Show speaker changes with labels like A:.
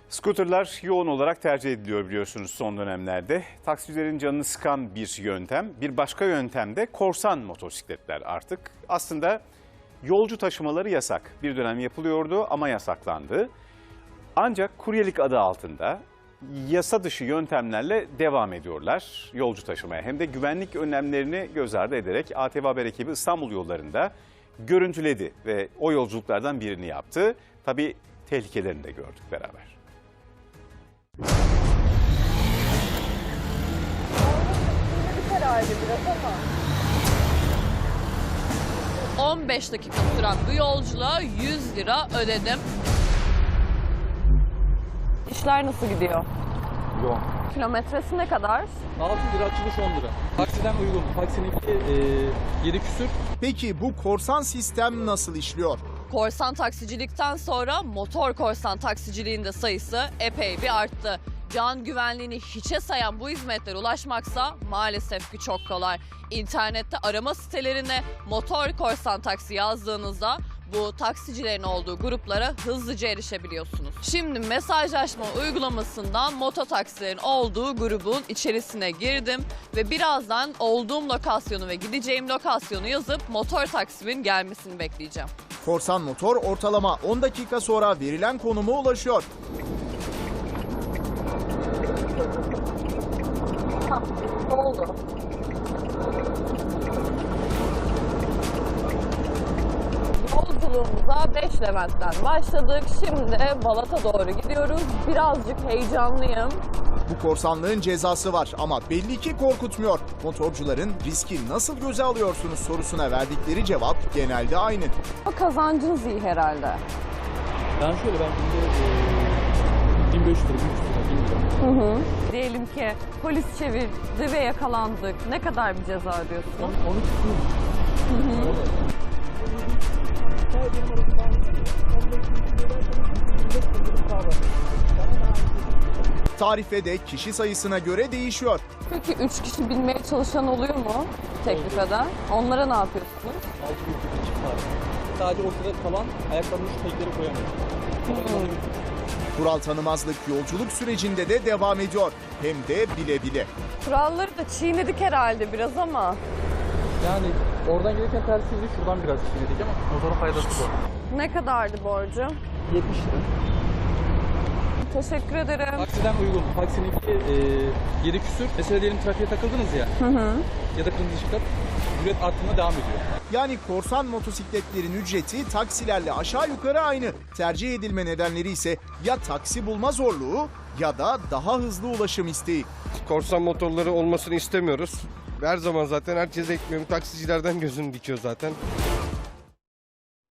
A: Scooterlar yoğun olarak tercih ediliyor biliyorsunuz son dönemlerde. Taksicilerin canını sıkan bir yöntem. Bir başka yöntem de korsan motosikletler artık. Aslında yolcu taşımaları yasak. Bir dönem yapılıyordu ama yasaklandı. Ancak kuryelik adı altında yasa dışı yöntemlerle devam ediyorlar yolcu taşımaya. Hem de güvenlik önlemlerini göz ardı ederek ATV Haber ekibi İstanbul yollarında görüntüledi ve o yolculuklardan birini yaptı. Tabii tehlikelerini de gördük beraber.
B: 15 dakika süren bu yolculuğa 100 lira ödedim. İşler nasıl gidiyor?
C: Yoğun.
B: Kilometresi ne kadar?
C: 6 lira açılış 10 lira. Taksiden uygun. Taksininki 7 küsür.
D: Peki bu korsan sistem nasıl işliyor?
B: Korsan taksicilikten sonra motor korsan taksiciliğin de sayısı epey bir arttı. Can güvenliğini hiçe sayan bu hizmetlere ulaşmaksa maalesef ki çok kolay. İnternette arama sitelerine motor korsan taksi yazdığınızda bu taksicilerin olduğu gruplara hızlıca erişebiliyorsunuz. Şimdi mesajlaşma uygulamasından mototaksilerin olduğu grubun içerisine girdim ve birazdan olduğum lokasyonu ve gideceğim lokasyonu yazıp motor taksimin gelmesini bekleyeceğim.
D: Korsan motor ortalama 10 dakika sonra verilen konuma ulaşıyor.
B: Ne oldu? Yolculuğumuza 5 Levent'ten başladık. Şimdi Balat'a doğru gidiyoruz. Birazcık heyecanlıyım.
D: Bu korsanlığın cezası var ama belli ki korkutmuyor. Motorcuların riski nasıl göze alıyorsunuz sorusuna verdikleri cevap genelde aynı.
B: O kazancınız iyi herhalde.
C: Ben günde 1500 lira, 1300 lira, 1000 lira.
B: Diyelim ki polis çevirdi ve yakalandık. Ne kadar bir ceza ödüyorsun?
C: 12 küsür.
D: Tarife de kişi sayısına göre değişiyor.
B: Peki 3 kişi binmeye çalışan oluyor mu teklif eden? Onlara ne yapıyorsunuz?
C: 6 gün çift var. Sadece ortada kalan ayaklarını şu tekleri koyamıyor.
D: Kural tanımazlık yolculuk sürecinde de devam ediyor. Hem de bile bile.
B: Kuralları da çiğnedik herhalde biraz ama.
C: Yani oradan gelirken tersiydi, şuradan biraz çiğnedik ama motorun faydası bu.
B: Ne kadardı borcu?
C: 70 lira.
B: Teşekkür ederim.
C: Taksiden uygun. Taksininki 7 küsür. Mesela diyelim trafiğe takıldınız ya. Ya da kırmızı ışıkta ücret arttığına devam ediyor.
D: Yani korsan motosikletlerin ücreti taksilerle aşağı yukarı aynı. Tercih edilme nedenleri ise ya taksi bulma zorluğu ya da daha hızlı ulaşım isteği.
E: Korsan motorları olmasını istemiyoruz. Her zaman zaten herkes ekmeğimi taksicilerden gözünü dikiyor zaten.